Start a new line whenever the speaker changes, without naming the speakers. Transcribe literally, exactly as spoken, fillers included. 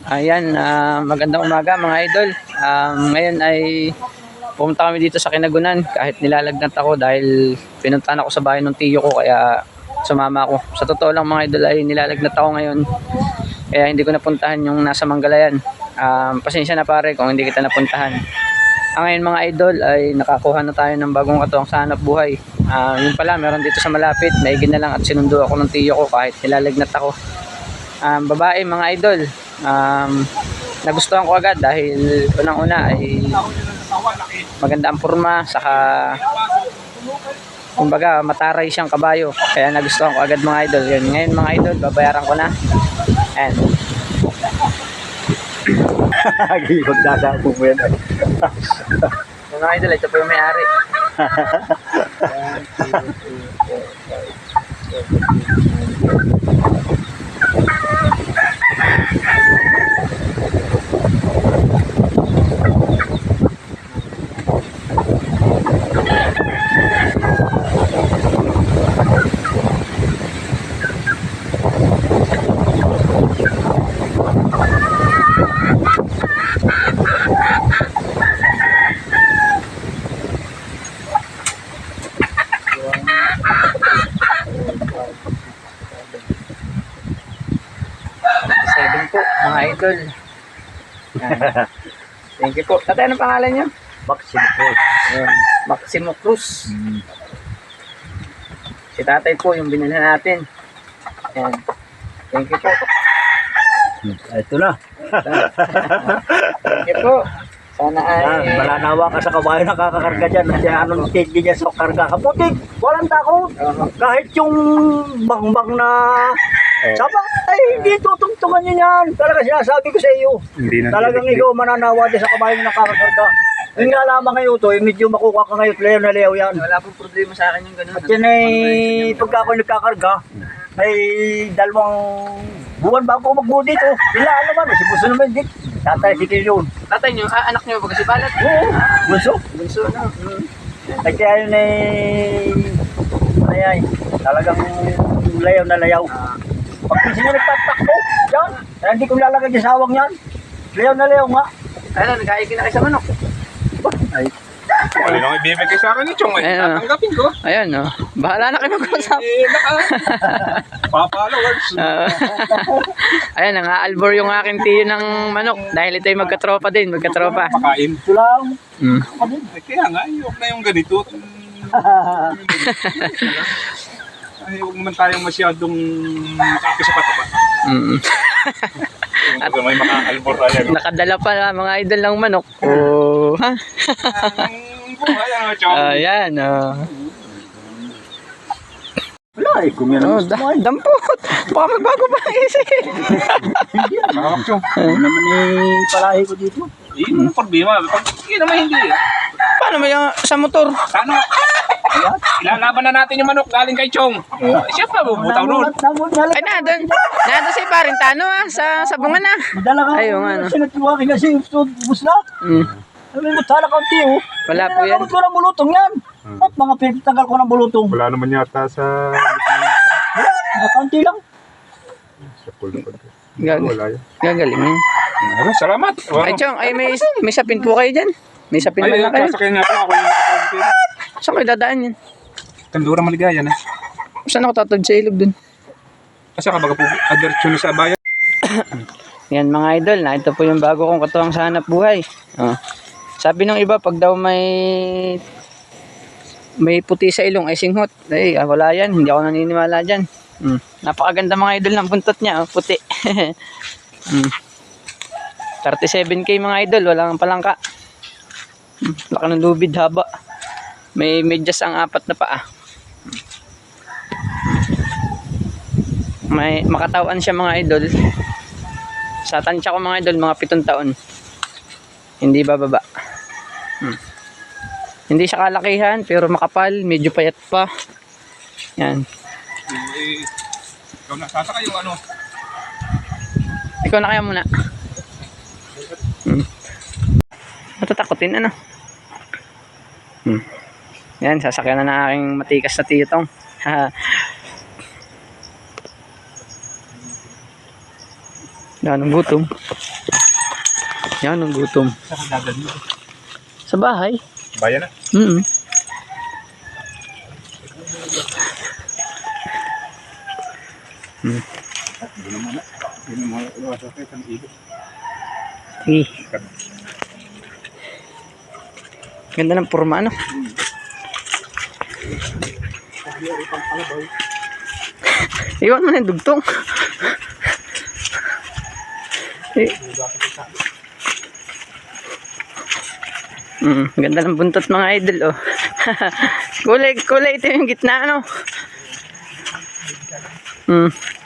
Ayan, uh, magandang umaga mga idol. Um, ngayon ay pumunta kami dito sa Kinagunan kahit nilalagnat ako dahil pinuntahan ako sa bahay ng tiyo ko kaya sumama ako. Sa totoo lang mga idol ay nilalagnat ako ngayon kaya hindi ko napuntahan yung nasa Manggalayan. Um, pasensya na pare kung hindi kita napuntahan. Ang ngayon mga idol ay nakakuha na tayo ng bagong katuwang sa hanap buhay. Uh, yun pala, meron dito sa malapit, maigin na lang at sinundo ako ng tiyo ko kahit nilalagnat ako. Um, babae mga idol, um, nagustuhan ko agad dahil unang-una ay maganda ang forma, saka kumbaga mataray siyang kabayo, kaya nagustuhan ko agad mga idol. Yun, ngayon mga idol, babayaran ko na. Ayan.
Magdasabog mo yan.
Yung mga idol, ito po yung may-ari. seven po mga idol. Thank you po. Tatay, anong pangalan niyo?
Maximo Cruz.
Ayan, Maximo Cruz.
Hmm.
Si tatay po yung binilhan natin. Ayan. Thank you po.
Ito na.
Thank you po. Sana ay...
Yan, malanawa ka sa kabayo na kakakarga dyan. Kasi anong tigil niya sa karga. Kaputik, walang takot.
Uh-huh.
Kahit yung bang-bang na saba, ay hindi tutungtungan niya yan. Talaga sinasabi ko sa iyo.
Hindi na
Talagang ikaw mananawa din sa kabayo na kakakarga. Yung nga lamang ngayon to, yung medyo makuha ka ngayon, leyaw na leyaw yan.
Wala pong problema sa akin yung ganun.
At yan ay, pagka ako nagkakarga, ay dalawang buwan bago ako magbuo dito. Ilaan naman, si Buso naman dito. Tatay si Kilyon.
Tatay niyo, ah, anak niyo ba kasi balat?
Oo, Buso.
Bunso na. Hmm.
At kaya yun ay, ay, ay, talagang layaw na layaw. Pag kasi nyo nagtatakbo, yan, ay, hindi ko lalagay sa sawang yan. Layaw na layaw nga.
Ano, nag-aigin na kayo sa manok.
Ay,
Ano nang ibibigay sa akin ni Chong? Eh,
Ayun, oh.
tatanggapin ko.
Ayan, no. Bahala na kayo mag-usap.
Eh, naka... Pa-followers.
Uh, ayan, nang-aalbor yung aking tiyo ng manok dahil ito ay magkatropa din, magkatropa.
Pakain.
ito lang.
Mm.
Eh, kaya nga, ayok na yung ganito. Ay, huwag naman tayong masyadong makapis sa patapa.
Mm.
At may makakalbor tayo.
Nakadala pa mga idol ng manok. Oh, ha?
Ang buhay, ano, Chong?
Ayan, oh.
Wala eh, kung yan
Oh,
ang gusto
da
mo ay.
dampot. Baka magbago pa ang isip.
Hindi yan.
Nakakap, Chong.
Ano naman eh, palahi ko dito.
Yun ang problema. Pag yun naman hindi.
Paano mo yung sa motor?
Sana, ilalaban na natin yung manok galing kay Chong. Eh, siya pa, bubutaw nun.
Ay, nandun. Nandun si Parintano, ah, sa sabungan na.
Madala ka.
Ayun, ano.
Sinatuwa ka kasi bus na.
Mm.
Sabi mo, tala ka unti oh.
Wala po yan.
Nalagamot ko ng bulutong yan. At mga pinagtagal ko ng bulutong.
Wala naman yata sa...
Wala, nakaunti lang.
Sa pulo pa.
Gag
Wala yan.
gagaling yun.
Ano, salamat.
Ay, Chong, ay may, may sapin po kayo dyan. May sapin
Ay,
man lang kayo.
sasakyan nga po ako yung nakapagpapin.
Saan kayo dadaan yan?
Kandura maligaya na.
Saan ako tatawid sa ilog dun?
Kasi kabaga po, adiretsyo na sa bayan.
Yan mga idol, na ito po yung bago kong katuwang sa hanap buhay. Oh. Sabi ng iba, pag daw may may puti sa ilong ay singhot. Ay, ah, wala yan. Hindi ako naniniwala dyan. Hmm. Napakaganda mga idol ng buntot niya. Oh, puti. hmm. thirty-seven K mga idol. Wala kang palangka. Hmm. Laka ng lubid, haba. May medyas ang apat na paa. May makatawan siya mga idol. Sa tansya ko mga idol, mga pitong taon. Hindi bababa. Hmm. Hindi siya kalakihan, pero makapal, medyo payat pa. Yan.
Eh, ikaw na, sasaka yung ano.
Ikaw na kaya muna. Hmm. Matatakotin, ano? Hmm. Yan, sasakyan na ng aking matikas na titong. Yan ang gutom. Yan ang gutom. Sa bahay.
Bayan na.
Mm. Hmm. Eh. Ganda ng forma, ano? Iwan mo na yung dugtong. Eh. Mm, ganda ng buntot mga idol, oh. kulay, kulay ito yung gitna, ano? Mm.